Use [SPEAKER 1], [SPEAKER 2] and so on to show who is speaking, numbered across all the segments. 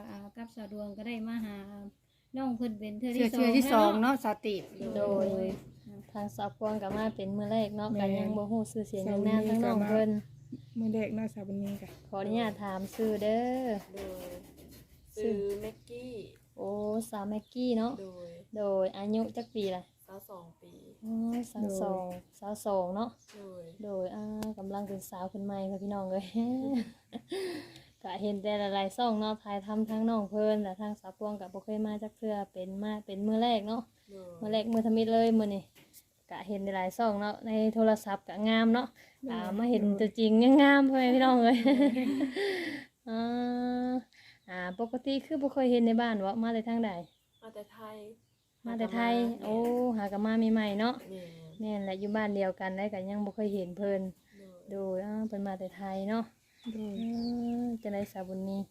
[SPEAKER 1] กับสาวดวงก็ได้มาหาน้องเพิ่นเป็นเทื่อ
[SPEAKER 2] เชื่
[SPEAKER 1] ที่
[SPEAKER 2] อที่ส
[SPEAKER 1] 2
[SPEAKER 2] องเนาะสติ
[SPEAKER 3] โดยทางสาวพวงก็มาเป็นมื้อแรกเนาะก็ยังบ่ฮู้ชื่อเสียงเรียงนามทั้งน้องเพิ่น
[SPEAKER 4] มือเด็กเนาะสาวบุญมีกะ
[SPEAKER 3] ขออนุญาตถามชื่อเด้อ
[SPEAKER 5] โดยซื้อแม็กกี้
[SPEAKER 3] โอ้สาวแม็กกี้เนาะ
[SPEAKER 5] โดย
[SPEAKER 3] อายุจักปีล่ะ
[SPEAKER 5] 22 ปี
[SPEAKER 3] อ๋อ22เนาะ
[SPEAKER 5] โดย
[SPEAKER 3] กำลังเป็นสาวคนใหม่ค่ะพี่น้องเลย ก็เห็นแต่หลายๆซ่องเนาะถ่ายทำทั้งน้องเพิ่นแต่ทางสาวพวงก็บ่เคยมาจักเทื่อเป็นมื้อแรกเนาะ
[SPEAKER 5] โดย
[SPEAKER 3] มื้อแรกมื้อทมิตเลยมื้อนี้ก็เห็นหลายๆซ่องเนาะในโทรศัพท์ก็งามเนาะมาเห็นตัวจริงยังงามพ่อแม่พี่น้องเลย ปกติคือบ่เคยเห็นในบ้านว่ามาแต่ทางใด
[SPEAKER 5] มาแต่ไทย
[SPEAKER 3] มาแต่ไทยโอ้หากันมาใหม่ๆเนาะ
[SPEAKER 5] แม่
[SPEAKER 3] แม่นแหละอยู่บ้านเดียวกันได้ก็ยังบ่เคยเห็นเพิ่น
[SPEAKER 5] โดย
[SPEAKER 3] ดูเพิ่นมาแต่ไทยเนาะจะได้สาวบุญนี้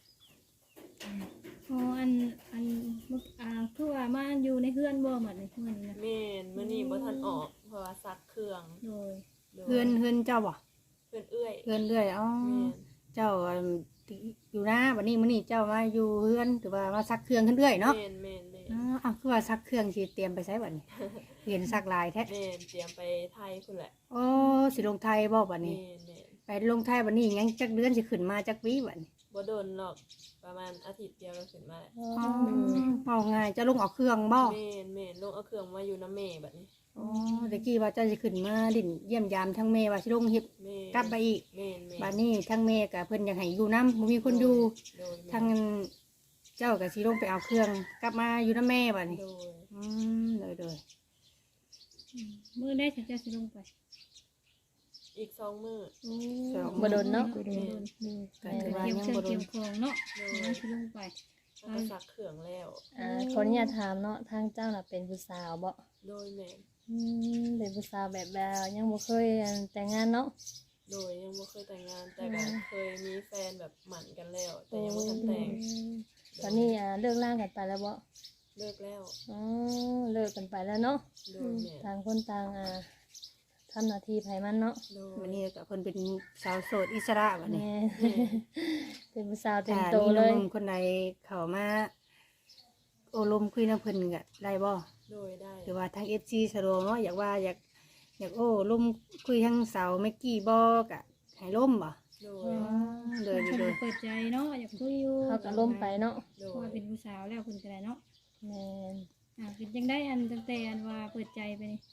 [SPEAKER 1] อ๋ออันคือว่ามาอยู่ในเฮือนบ่หมดนี่มื้อนี้นะ
[SPEAKER 5] แม่นมื้อนี้บ่ทันออกเพราะว่าซักเครื่อง
[SPEAKER 1] โดย
[SPEAKER 5] โดย
[SPEAKER 2] เฮือนเจ้าบ่
[SPEAKER 5] เพื่อนเอื้อย
[SPEAKER 2] เฮือนเรื่อยอ๋อ
[SPEAKER 5] แม่น
[SPEAKER 2] เจ้าอยู่นะวันนี้มื้อนี้เจ้ามาอยู่เฮือนหรือว่ามาซักเครื่องขึ้นเรื่อยเนาะ
[SPEAKER 5] แม่นแม่นแม่น
[SPEAKER 2] อ๋อคือว่าซักเครื่องสิเตรียมไปใช้บัดนี้ เห็นซักลายแท้
[SPEAKER 5] แม่นเตรียมไปไทยพุ่นแหละ
[SPEAKER 2] โอ้สิลงไทยบ่บัด
[SPEAKER 5] แม่
[SPEAKER 2] นี้
[SPEAKER 5] นแม่น
[SPEAKER 2] ไปลงไทยบัดนี้ยังจักเดือนสิขึ้นมาจักวีบัดนี้
[SPEAKER 5] บ่โดนหรอกประมาณอาทิตย์เดียวก็ขึ้นมาแล้ว
[SPEAKER 2] อ๋อเอาง่ายจะลงเอาเครื่องบ่
[SPEAKER 5] แม่นแม่นลงเอาเครื่องมาอยู่น้ำแม่บัดนี้
[SPEAKER 2] อ๋อตะกี้ว่าเจ้าสิขึ้นมาดินเยี่ยมยามทั้งแม่ว่าสิลงเฮ็ด
[SPEAKER 5] แม่น
[SPEAKER 2] กลับไปอีก
[SPEAKER 5] แม่นแม่น
[SPEAKER 2] บัดนี้ทั้งแม่กับเพิ่นอยากให้อยู่นำบ่มีคนอยู่
[SPEAKER 5] โดย
[SPEAKER 2] ทางเจ้าก็สิลงไปเอาเครื่องกลับมาอยู่นำแม่บัดนี้
[SPEAKER 5] โดย
[SPEAKER 2] เลย
[SPEAKER 1] มื้อใดฉันจะสิลงไป
[SPEAKER 5] อีก2มื้อ
[SPEAKER 1] โอ้
[SPEAKER 3] บ่โดนเนาะ
[SPEAKER 1] บ่โดน
[SPEAKER 2] ก็ถือว่า
[SPEAKER 1] เกี่ยว
[SPEAKER 2] ยัง
[SPEAKER 1] เครื่อง
[SPEAKER 2] บ่โด
[SPEAKER 1] เกี่
[SPEAKER 2] น
[SPEAKER 1] ยวของเนาะมันสิลงไป
[SPEAKER 5] แล้วก็ซักเครื่องแล้ว
[SPEAKER 3] ขออนุญาตถามเนาะทางเจ้าน่ะเป็นผู้สาวบ่
[SPEAKER 5] โดยแม่น
[SPEAKER 3] เป็นผู้สาวแบบยังบ่เคยแต่งงานเนาะ
[SPEAKER 5] โดยยังบ่เคยแต่งงานแต่ก็เคยมีแฟนแบบหมั่นกันแล้ว แต่ยังบ่ทันแต่ง
[SPEAKER 3] ตอนนี้เลิกล่างกันไปแล้วบ่
[SPEAKER 5] เลิกแล้ว
[SPEAKER 3] อ๋อเลิกกันไปแล้วเนาะ
[SPEAKER 5] โดยแม่น
[SPEAKER 3] ต่างคนต่างทำหน้าที่ไผมันเนาะ
[SPEAKER 5] โดย
[SPEAKER 2] วันนี้ก็เพิ่นเป็นสาวโสดอิสระบัดนี้
[SPEAKER 3] แม่ เป็นผู้สาวเต็ม
[SPEAKER 2] ถ้า
[SPEAKER 3] โต
[SPEAKER 2] มี
[SPEAKER 3] เล
[SPEAKER 2] ห
[SPEAKER 3] ย
[SPEAKER 2] นุ่มคนใดเข้ามาโอลมคุยนำเพิ่นก็ได้บ่
[SPEAKER 5] โดยได้
[SPEAKER 2] หรือว่าทาง FC สะดวกเนาะอยากโอ้ลมคุยทางสาวเมกกี้บ่ก็ให้ล่มบ่
[SPEAKER 5] โด
[SPEAKER 2] อ๋
[SPEAKER 5] ย
[SPEAKER 2] อเลย
[SPEAKER 1] เพิ่น
[SPEAKER 2] เลย
[SPEAKER 1] เปิดใจเนาะอยากคุยอยู่
[SPEAKER 3] เขาก็ล้มไปเนาะ
[SPEAKER 5] โด
[SPEAKER 1] เพราะว่าย เป็นผู้สาวแล้วเพิ่นก็ได้เนาะ
[SPEAKER 3] แม่น
[SPEAKER 1] เป็นจังได้อันตั้งแต่อันว่าเปิดใจไปนี่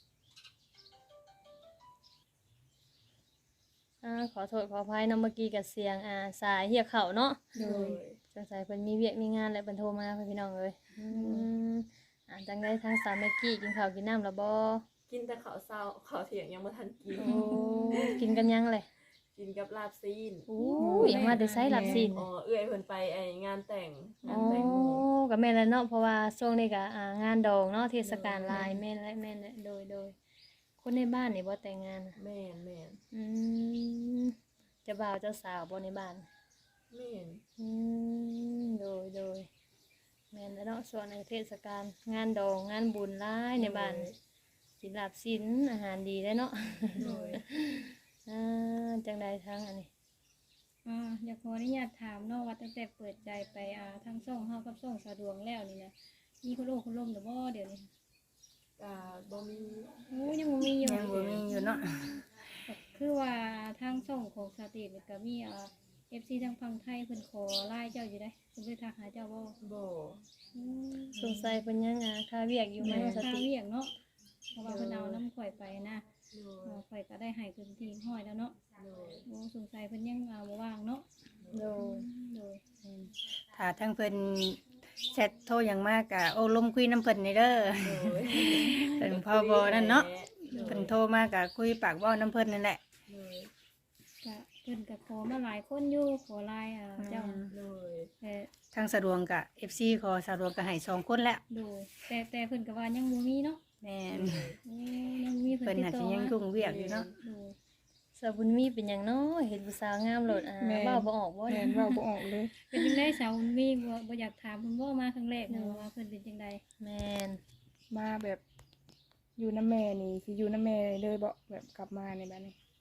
[SPEAKER 3] ขอโทษขออภัยเนาะเมื่อกี้กับเสียงสายเหียกเข่าเนาะ
[SPEAKER 5] โดย
[SPEAKER 3] สงสัยเพิ่นมีเวียกมีงานแล้วเพิ่นโทรมาพี่น้องเอ้ยจังได้ทางสาวแม็กกี้กินข้าวกินน้ำแล้วบ่
[SPEAKER 5] กินแต่ข้าวเช้าข้าวเที่ยงยังบ่ทันกิน
[SPEAKER 3] โอ้กินกันยังเลย
[SPEAKER 5] กินกับลาบซีน
[SPEAKER 3] โอ้ยยังมาได้ใช้หลับสิน
[SPEAKER 5] อ๋อเอื้อยเพิ่นไปไอ้งานแต่ง
[SPEAKER 3] อ๋
[SPEAKER 5] งา
[SPEAKER 3] อน
[SPEAKER 5] แต่งหมู่
[SPEAKER 3] ก็แม่นแล้วเนาะเพราะว่าช่วงนี้ก็งานดองเนาะเทศกาลลายแม่นและโดยคนในบ้านนี่บ่แต่งงาน
[SPEAKER 5] แม่นแม่น
[SPEAKER 3] อืมเจ้าบ่าวเจ้าสาวบ่ในบ้าน
[SPEAKER 5] แม่น
[SPEAKER 3] โดยแม่นแล้วเนาะส่วนในเทศกาลงานดองงานบุญหลายในบ้านสินลาบสินอาหารดีได้เนาะ
[SPEAKER 5] โดย
[SPEAKER 3] จังใดทั้งอันนี้
[SPEAKER 1] อยากขออนุญาตถามเนาะว่าตั้งแต่เปิดใจไปทั้งช่องเฮากับช่องสะดวงแล้วนี่นะมีคนโอ้คนล้มหรือบ่เดี๋ยวนี้
[SPEAKER 5] ก็บ่มี
[SPEAKER 1] โอ้ยังบ่มีอยู่
[SPEAKER 2] ยังบ่มีอยู่เนาะ
[SPEAKER 1] คือว่าทางช่องของสตรีทนี่ก็มีFC ทางฝั่งไทยเพิ่นขอไลน์เจ้าอยู่ได้เพิ่นไปทักหาเจ้าบ่
[SPEAKER 5] บ่
[SPEAKER 3] สงสัยเป็นยังค่าเวียกอยู่ไหม
[SPEAKER 1] มา
[SPEAKER 3] ส
[SPEAKER 1] ค่า
[SPEAKER 3] ติ
[SPEAKER 1] เวียกเนาะเพราะว่าเพิ่นเอาน้ำข่อยไปนะ
[SPEAKER 5] โดย
[SPEAKER 1] ข่อยก็ได้ให้เพิ่นทีห้อยแล้วเนาะ
[SPEAKER 5] โดย
[SPEAKER 1] โอ้สงสัยเพิ่นยังบ่ว่างเนาะ
[SPEAKER 3] โดย
[SPEAKER 1] โดย
[SPEAKER 2] ถ้าทั้งเพิ่นแชทโทรอย่างมากก็โอ้ลมคุยน้ำเพิ่นนี่เด้อ
[SPEAKER 5] โดย
[SPEAKER 2] เพิ่นพอบ่นั่นเนาะเพิ่นโทรมาก็คุยปากเว้าน้ำเพิ่นนั่นแหละ
[SPEAKER 5] โดย
[SPEAKER 1] ก็เพิ่นก็ขอมาหลายคนอยู่ขอไลน์เจ้า
[SPEAKER 5] โดย
[SPEAKER 1] แต่
[SPEAKER 2] ทางสะดวกก็ FC ขอสะดวกก็ให้2คนแล้ว
[SPEAKER 1] โดยแต่เพิ่นก็ว่ายังบ่มีเนาะ
[SPEAKER 2] แม่น
[SPEAKER 1] โอ้ยังมีเพิ่
[SPEAKER 2] เพิ่
[SPEAKER 1] น
[SPEAKER 2] น
[SPEAKER 1] ติด
[SPEAKER 2] อาจ
[SPEAKER 1] ต่
[SPEAKER 2] สิ
[SPEAKER 1] อ
[SPEAKER 2] ยัง
[SPEAKER 1] มา
[SPEAKER 2] ยุ่งเวียกอยู่เนาะ
[SPEAKER 1] โดย
[SPEAKER 3] สาวบุญมีเป็นหยังเนาะเห็นผู้สาวงามโลดเว้าบ่ออกบ่
[SPEAKER 4] แม่นเว้าบ่ออกเลย
[SPEAKER 1] เป็นจังได๋สาวมีบ่อยากถามเพิ่นบ่มาครั้งแรกนะว่าเพิ่นเป็นจังได๋
[SPEAKER 3] แม่น
[SPEAKER 4] มาแบบอยู่น้ำแม่นี่สิอยู่น้ำแม่เลยบ่แบบกลับมาในบ้านนี้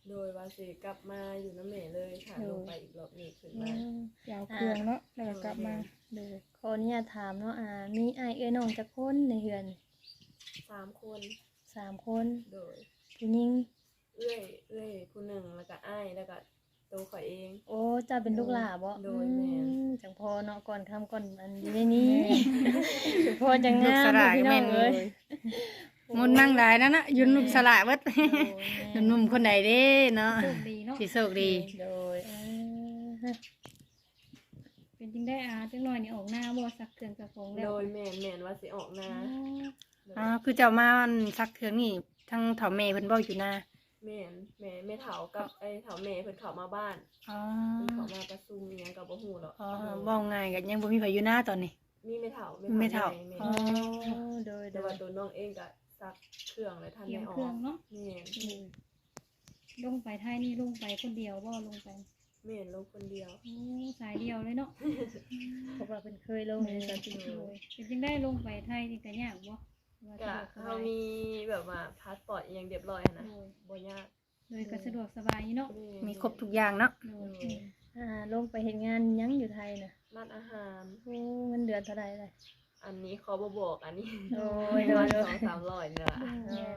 [SPEAKER 5] โดยว่าสิกลับมาอยู่น้ำแม่เลยค่ะลงไปอีกรอบหนึงขึ้นมา
[SPEAKER 4] ยาวเครื่องเนาะแล้วก็กลับมาโดย
[SPEAKER 3] ขออนุญาตถามเนาะมีอ้ายเอ้ยน้องจักคนในเฮือน
[SPEAKER 5] 3 คน
[SPEAKER 3] 3 คน
[SPEAKER 5] โดย
[SPEAKER 3] ผู้หญิง
[SPEAKER 5] เอื้อยผู้หนึ่งแล้วก็อ้ายแล้วก็ตัวข่อยเอง
[SPEAKER 3] โอ้เจ้าเป็นลูกหลาบ่
[SPEAKER 5] โดยแม่น
[SPEAKER 3] จังพอเนาะก่อนค่ำก่อนอันอยู่ในนี้จังพอจังงาม
[SPEAKER 2] ลูกสลาย
[SPEAKER 3] พี่น้
[SPEAKER 2] แม่
[SPEAKER 3] อง
[SPEAKER 2] น
[SPEAKER 3] เอ้ย
[SPEAKER 2] มนต์นั่งได้นั่นน่ะยุนลูกสละเบิด
[SPEAKER 3] โอ้ย
[SPEAKER 2] หนุ่มๆคนใดเด้เนาะ
[SPEAKER 1] โชคดีเนาะ
[SPEAKER 2] สิโชคดี
[SPEAKER 3] โดย
[SPEAKER 1] เป็นจริงได้จังหน่อยนี่ออกหน้าบ่สักเครื่องสักของแล้ว
[SPEAKER 5] โดยแม่นว่าสิออกนา
[SPEAKER 2] คือเจ้ามาอันซักเครื่องนี่ทั้งเฒ่าแม่เพิ่นบ่อยู่นะ
[SPEAKER 5] แม่นแม่เฒ่ากับไอ้เฒ่าแม่เพิ่นเข้ามาบ้าน
[SPEAKER 2] อ๋อ
[SPEAKER 5] เพิ่นเข้ามาประชุมอิหยังก็บ่ฮู้หรอก
[SPEAKER 2] อ๋อเว้าง่ายก็ยังบ่มีไผอยู่นะตอนนี้
[SPEAKER 5] มีแม่เฒ่า
[SPEAKER 2] ไม่เฒ่า
[SPEAKER 5] แม่
[SPEAKER 2] อ๋อ
[SPEAKER 3] โดยโด
[SPEAKER 5] แต่ว่าย ตัวน้องเองก็ซักเครื่องเลยทัน
[SPEAKER 1] เตรีย
[SPEAKER 5] ได้
[SPEAKER 1] ม
[SPEAKER 5] อ
[SPEAKER 1] เครื่
[SPEAKER 5] อ
[SPEAKER 1] อก งเนาะ
[SPEAKER 5] แม่น
[SPEAKER 1] ลงไปไทยนี่ลงไปคนเดียวบ่ลงไป
[SPEAKER 5] แม่นลูกคนเดียว
[SPEAKER 1] โอ้สายเดียวเลยเนาะ
[SPEAKER 3] เพราะว่าเพิ่นเคยลงในสติ
[SPEAKER 1] โอ้ยเป็นจริงได้ลงไปไทยนี่ก็ยากบ่ว่า
[SPEAKER 5] ก็
[SPEAKER 1] สะดวกส
[SPEAKER 5] เขา
[SPEAKER 1] บาย
[SPEAKER 5] มีแบบว่าพาสปอร์ตอหยังเรียบร้อยหั้นนะ
[SPEAKER 1] โอ้ย
[SPEAKER 5] บ่ยาก
[SPEAKER 1] โดยก็สะดวกสบายอยู่เนาะ
[SPEAKER 5] แน
[SPEAKER 2] มีครบทุกอย่างเนาะ
[SPEAKER 1] โดย
[SPEAKER 3] ลงไปเฮ็ดงานหยังอยู่ไทยน่ะ
[SPEAKER 5] ร้านอาหาร
[SPEAKER 3] โอ้เงินเดือนเท่าใดเลย
[SPEAKER 5] อันนี้เขาบ่บอกอันนี้
[SPEAKER 3] โอ้ย
[SPEAKER 5] ประมาณ
[SPEAKER 3] โดย
[SPEAKER 5] 200-300เนี่ยล่ะ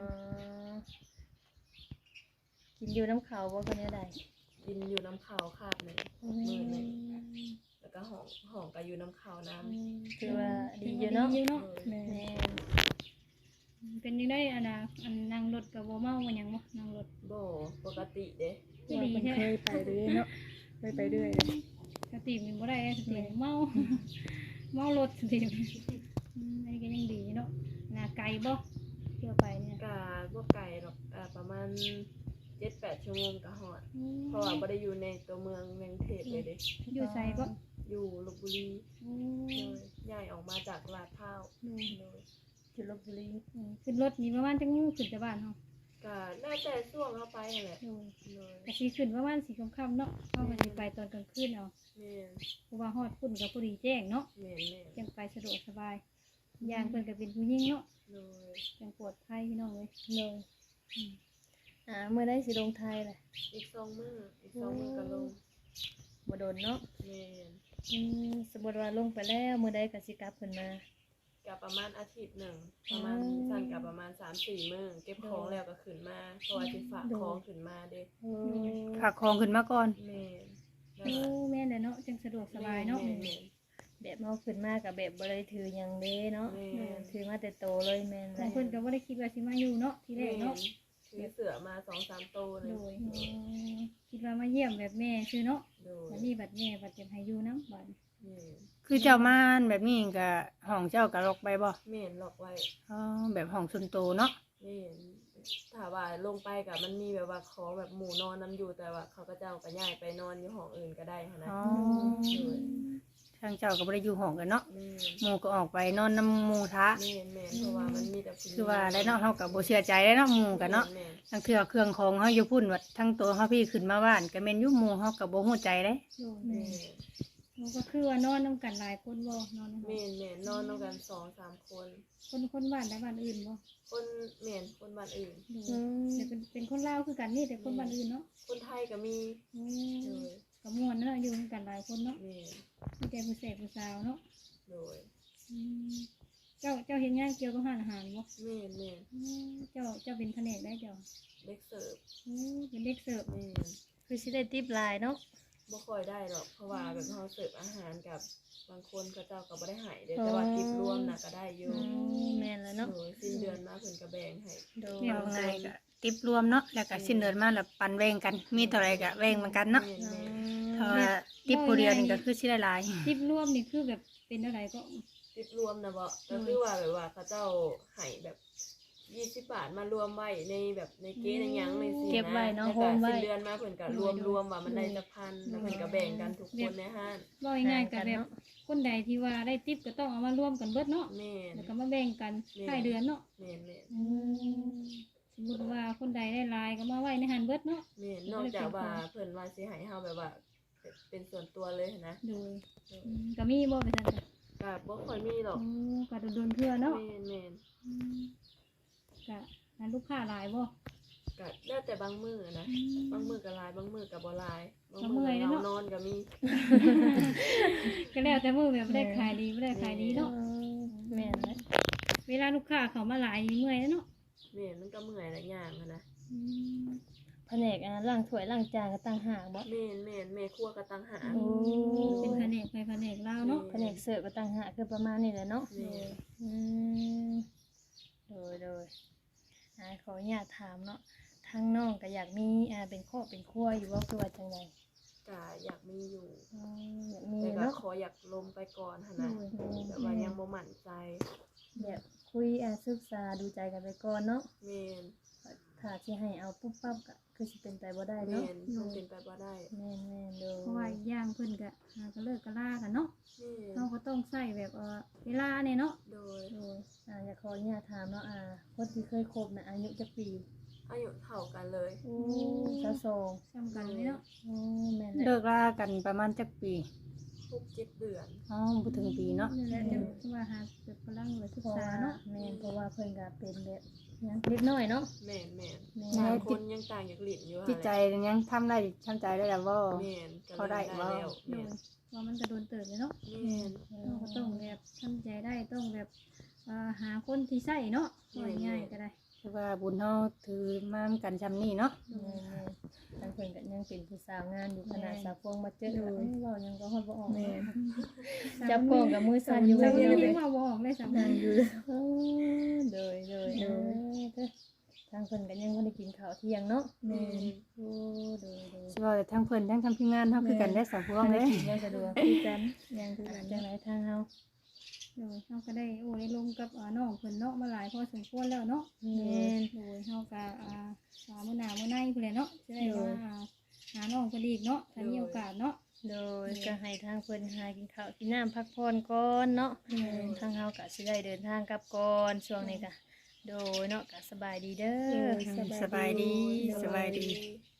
[SPEAKER 3] กินอยู่น้ำเขาบ่คนนี้ได้
[SPEAKER 5] กินอยู่น้ำขาวคาบหนึงมื้อหนึงแล้วก็ห้องก็อยู่น้ำขาวน้ำ
[SPEAKER 3] ถือว่าดีอยู่เนาะ
[SPEAKER 1] ดีอยู่เนาะ
[SPEAKER 4] แม่
[SPEAKER 3] แม่น
[SPEAKER 1] เป็นยังได้อันนั่งรถกับบ่เมาบ่หยังบ่นั่งรถ
[SPEAKER 5] บ่ปกติเด้
[SPEAKER 1] ก็
[SPEAKER 4] ว่า
[SPEAKER 1] ดี
[SPEAKER 4] เพิ่น
[SPEAKER 1] แท้
[SPEAKER 4] เคยไปเรื่อยเนาะเคยไปเรื่อยเลย
[SPEAKER 1] สติมันบ่ได้สติเมา เมารถสติอันนี้ก็ยังดีเนาะนาไกลบ่เที่ยวไปเนี่ย
[SPEAKER 5] ก็บ่ไกลหรอกประมาณ 7-8 ชั่วโมงก็ฮอดเพราะว่าบ่ได้อยู่ในตัวเมืองกรุงเทพเลยเด้
[SPEAKER 1] อยู่ไสก็
[SPEAKER 5] อยู่ลพบุรีเลยย้ายออกมาจากลาดพร้าวเลย
[SPEAKER 3] อยู่ลพบุรี
[SPEAKER 1] ขึ้นรถนี่ประมาณจังขึ้นแต่บ้านเฮา
[SPEAKER 5] ก็น่าจะช่วงเข้าไปนั่นแหละ
[SPEAKER 1] โดย
[SPEAKER 5] เลย
[SPEAKER 1] ก็สิขึ้นประมาณ4 ค่ำๆเนาะเฮาก็สิไปตอนกลางคืนเอา
[SPEAKER 5] แม่น
[SPEAKER 1] เพราะว่าฮอดพุ่นก็พอดีแจ้งเนาะ
[SPEAKER 5] แม่น
[SPEAKER 1] จังไปสะดวกสบายอย่างเพิ่นก็เป็นผู้หญิงเนาะ
[SPEAKER 5] เลย
[SPEAKER 1] จังปลอดภัยพี่น้องเอ้ย
[SPEAKER 3] เลยเมื่อได้สิลงไทยแหละ
[SPEAKER 5] อีก2 มื้อก็ลง
[SPEAKER 3] บ่โดนเนาะ
[SPEAKER 5] แม่น
[SPEAKER 3] สมมุติว่าลงไปแล้วมื้อใดก็สิกลับขึ้นมา
[SPEAKER 5] กับประมาณอาทิตย์หนึ่งประมาณสั่นกับประมาณ3-4 มื้อเก็บของแล้วก็ขึ้นมาเพราะว่าสิฝากของขึ้นมาเด้
[SPEAKER 2] ฝากของขึ้นมาก่อน
[SPEAKER 5] แม่น
[SPEAKER 1] โอ้แม่นแหละเนาะจังสะดวกสบายเนาะ
[SPEAKER 5] แม่น
[SPEAKER 3] แบบเฮาขึ้นมากับแบบบ่ได้ถือหยังเด้เนาะ
[SPEAKER 5] แม่น
[SPEAKER 3] ถือมาแต่โตเลยแม่นเล
[SPEAKER 1] บาง
[SPEAKER 3] ย
[SPEAKER 1] คนก็บ่ได้คิดว่าสิมาอยู่เนาะทีแรกเนาะ
[SPEAKER 5] ถือเสือมา2-3 โตวเล
[SPEAKER 1] โด
[SPEAKER 5] ย
[SPEAKER 1] ยคิดว่ามาเยี่ยมแบบแม่ชื่อเนาะ
[SPEAKER 5] โดย
[SPEAKER 1] วันนี้บัดแม่บัดจะให้อยู่นำบัด
[SPEAKER 5] แม่น
[SPEAKER 2] คือเจ้ามาแบบนี้ก็ห้องเจ้าก็ล็อกไปบ่
[SPEAKER 5] แม่นล็อกไว้
[SPEAKER 2] อ๋อแบบห้องส่วนตัวเนาะ
[SPEAKER 5] นี่ถ้าว่าลงไปกับมันมีแบบว่าของแบบหมู่นอนน้ำอยู่แต่ว่าเขาก็เจ้าก็ย้ายไปนอนอยู่ห้องอื่นก็ได้หั้นนะ
[SPEAKER 2] อ๋อ
[SPEAKER 5] โดย
[SPEAKER 2] ทางเจ้าก็บ่ได้อยู่ห้องกันเนาะ
[SPEAKER 5] แม่น
[SPEAKER 2] หมู่ก็ออกไปนอนนำหมู่ทะ
[SPEAKER 5] แม่นเพราะว่ามันมีแต่ผู้หญิง
[SPEAKER 2] คือว่าได้เนาะเฮาก็บ่เชื่อใจได้เนาะหมู่กันเนาะ
[SPEAKER 5] แม่น
[SPEAKER 2] ทั้งเทื่อเครื่องของเฮาอยู่พุ่นวัดทั้งตัวเฮาพี่ขึ้นมาบ้านก็แม่นอยู่หมู่เฮาก็บ่ฮู้ใจเด้
[SPEAKER 1] โดย
[SPEAKER 5] แม่น
[SPEAKER 1] มันก็คือว่านอนนํกันหลายคนบ่นอนนำ
[SPEAKER 5] แม่นนอนด้วยกัน2-3 คน
[SPEAKER 1] คนบ้านใดบ้านอื่นบ่
[SPEAKER 5] คนแม่นคนบ้านอื่น
[SPEAKER 1] โดยแต่เป็นคนลาวคือกันนี่แต่คนบ้านอื่นเนาะ
[SPEAKER 5] คนไทยก็มี
[SPEAKER 1] โอ้
[SPEAKER 5] โดย
[SPEAKER 1] ก็ม่วนเนาะอยู่นำกันหลายคนเนาะ
[SPEAKER 5] แม่น
[SPEAKER 1] มีแต่ผู้แสบผู้สาวเนาะ
[SPEAKER 5] โดย
[SPEAKER 1] เจ้าเฮ็ดงานเกี่ยวกับร้านอาหารบ่
[SPEAKER 5] แม่น
[SPEAKER 1] เจ้าเป็นแผนกได้เจ้า
[SPEAKER 5] เด็กเสิร์ฟ
[SPEAKER 1] เป็นเด็กเสิร์ฟ
[SPEAKER 5] แม่น
[SPEAKER 3] คือสิได้ติปหลายเนาะ
[SPEAKER 5] บ่ค่อยได้หรอกเพราะว่าแบบเฮาเสิร์ฟอาหารกับบางคนเขาเจ้าก็บ่ได้ให้เด้แต่ว่าทิปรวมน่ะก็ได้อยู่
[SPEAKER 3] แม่นแล้วเนาะ
[SPEAKER 5] โดยสิ้นเดือนมาเพิ่นก็แบ่งให้
[SPEAKER 3] โดย
[SPEAKER 2] เอาไงก็ติบรวมเนาะแล้วก็สิ้นเดือนมาแล้วปันแบ่งกัน มีเท่าไรก็แบ่งเหมือนกันเนาะ
[SPEAKER 5] แม่น
[SPEAKER 2] ถ้าว่าติบผู้เดียวนี่ก็คือสิได้หลาย
[SPEAKER 1] ทิปรวมนี่คือแบบเป็นอะไรก็
[SPEAKER 5] ทิปรวมนะบ่ก็คือว่าแบบว่าเขาเจ้าให้แบบ20 บาทมารวมไว้ในแบบในเกณฑ์ในหยังในสิ
[SPEAKER 3] เก็บไว้เนาะ
[SPEAKER 5] แล้ว
[SPEAKER 3] โฮ
[SPEAKER 5] ก็
[SPEAKER 3] มไว้
[SPEAKER 5] สิ้นเดือนมาเพิ่นก็รวมว่ามันได้จักพันแล้วเพิ่นก็แบ่งกันทุกคนในห้าน
[SPEAKER 1] บ่ง่ายๆกับแบบคนใดที่ว่าได้ทิปก็ต้องเอามารวมกันเบิดเนาะ
[SPEAKER 5] แม่น
[SPEAKER 1] แล้วก็มาแบ่งกันท้ายเดือนเนาะ
[SPEAKER 5] แม่น
[SPEAKER 1] สมมุติว่าคนใดได้หลายก็มาไว้ในหันเบิดเนาะ
[SPEAKER 5] แม่นนอกจากว่าเพิ่นว่าสิให้เฮาแบบว่าเป็นส่วนตัวเลยนะ
[SPEAKER 1] โดยก็มีบ่ไปซั่นจ้ะ
[SPEAKER 5] ก็บ่ค่อยมีหรอก
[SPEAKER 1] โอ้ก็โดนๆเทื่อเนาะ
[SPEAKER 5] แม่น
[SPEAKER 1] ก็นั้นลูกค้าหลายบ่
[SPEAKER 5] ก็แล้วแต่บางมื้อนะบางมื้อก็หลายบางมื้อก็บ่หลายบาง
[SPEAKER 1] ก็
[SPEAKER 5] มื้
[SPEAKER 1] เมื่
[SPEAKER 5] อ
[SPEAKER 1] อย
[SPEAKER 5] ก็
[SPEAKER 1] แล้วเนาะ
[SPEAKER 5] นอนก็มี
[SPEAKER 1] ก็แล้วแต่มื้อแบบได้ขายดีบ่ได้ขายดีเนาะ
[SPEAKER 3] แม่นนะ
[SPEAKER 1] เวลาลูกค้าเขามาหลายนี่เมื่อยแล้วเนาะ
[SPEAKER 5] แม่นมันก็เมื่อยหลายอย่างอะนะ
[SPEAKER 3] แผนกล้างถ้วยล้างจานก็ต่างหากบ่
[SPEAKER 5] แม่นแม่ครัวก็ต่างหาก
[SPEAKER 3] โอ้
[SPEAKER 1] เป็นแผนกไปแผนกลาวเนาะ
[SPEAKER 3] แผนกเสิร์ฟก็ต่างหากคือประมาณนี้แหละเนาะ
[SPEAKER 5] แม่น
[SPEAKER 3] อืมโดยขออนุญาตถามเนาะทางน้องก็อยากมีเป็นครอบเป็นครัวอยู่ว่าคือว่าจังได
[SPEAKER 5] ก็อยากมีอยู่
[SPEAKER 3] อยากมี
[SPEAKER 5] แต่ก็
[SPEAKER 3] เนาะ
[SPEAKER 5] ขออยากลมไปก่อนหั่นนะแบบว่ายังบ่มั่นใจ
[SPEAKER 3] แบบคุยศึกษาดูใจกันไปก่อนเนาะ
[SPEAKER 5] แม่น
[SPEAKER 3] ถ้าสิให้เอาปุ๊บปั๊บก็คือสิเป็นไปบ่ได้
[SPEAKER 5] แม่
[SPEAKER 3] เนาะ
[SPEAKER 5] นมันเป็นไปบ่ได้
[SPEAKER 3] แม่นโดย
[SPEAKER 1] เพราะว่าอีกอย่างเพิ่นก็หาก็เลิกก็ลากันเนาะ
[SPEAKER 5] แม่น
[SPEAKER 1] เราก็ต้องใส่แบบเวลาเนี่ยเนาะ
[SPEAKER 5] โดย
[SPEAKER 3] อยากขออนุญาตถามเนาะคนที่เคยคบน่ะอายุจักปี
[SPEAKER 5] อายุเท่ากันเลย
[SPEAKER 3] 22
[SPEAKER 1] ซ้ำกันเลยเนาะ
[SPEAKER 3] แม่น
[SPEAKER 2] เลิกลากันประมาณจักปี
[SPEAKER 5] 6-7 เดือน
[SPEAKER 2] อ๋อบ่ถึงปีเนาะ
[SPEAKER 1] นั่นแหละจังว่าหาแบบกำลังศึก
[SPEAKER 3] เพราะ
[SPEAKER 1] ษา
[SPEAKER 3] ว่า
[SPEAKER 1] เนาะ
[SPEAKER 3] แม่นเพราะว่าเพิ่นก็เป็นแบบยังเล็กน้อยเนาะ
[SPEAKER 5] แม่นแม่น
[SPEAKER 3] แม่
[SPEAKER 5] บางคนยังต่างจากหลินอยู่
[SPEAKER 2] จิตใจยังทำได้ทำใจได้แล้วบ่
[SPEAKER 5] แม่นก็
[SPEAKER 2] เขาได้
[SPEAKER 5] เริ่ม
[SPEAKER 2] บ่
[SPEAKER 5] แล้ว
[SPEAKER 1] โด
[SPEAKER 5] แม่
[SPEAKER 1] ย
[SPEAKER 5] น
[SPEAKER 1] ว่ามันก็โดนเติบเลยเนาะ
[SPEAKER 5] แม่น
[SPEAKER 1] เราก็ต้องแบบทำใจได้ต้องแบบหาคนที่ใส่เนาะว่าง่ายๆก็ได้
[SPEAKER 2] คือว่าบุญเฮาถือมากันชำนี้เนาะ
[SPEAKER 3] ทางเพิ่นก็ยังเป็นผู้สาวงานอยู่ขนาดสาวพวงมาเจอเว้ายังก็ฮอดบ่ออก
[SPEAKER 4] แม่น
[SPEAKER 3] จับกล้องกับมือสั่นอยู่
[SPEAKER 1] จะ
[SPEAKER 3] เดียว
[SPEAKER 1] ยั
[SPEAKER 3] เลย
[SPEAKER 1] งว่าบ่ออกเลยสำคัญ
[SPEAKER 3] โดยทางเพิ่นก็ยังบ่ได้กินข้าวเที่ยงเนาะ
[SPEAKER 4] แม่น
[SPEAKER 3] โอ้โดย
[SPEAKER 2] สิว่าแต่ทั้งเพิ่นทั้งทำทีมงานเฮาคือกันได้สาวพวง
[SPEAKER 3] ได้
[SPEAKER 2] เด้
[SPEAKER 3] กินยังสะดวก
[SPEAKER 4] คือกันยังคือกัน
[SPEAKER 3] จังไดทางเฮา
[SPEAKER 1] โดยเขาก็ได้ได้ลงกับน้องเพิ่นเนาะมาหลายพอสมควรแล้วเนาะ
[SPEAKER 3] แม่น
[SPEAKER 1] โดยเขาก็มื้อหน้ามื้อในพุ่นแหละเนาะจะได้ว่าหาน้องเพิ่นอีกเนาะถ้ามีโอกาสเนาะ
[SPEAKER 3] โดยก็ให้ทางเพิ่นหากินข้าวกินน้ำพักผ่อนก่อนเนาะทางเฮาก็สิได้เดินทางกลับก่อนช่วงนี้ก็โดยเนาะก็สบายดีเด้อ
[SPEAKER 2] สบายดีสบายดี
[SPEAKER 5] โ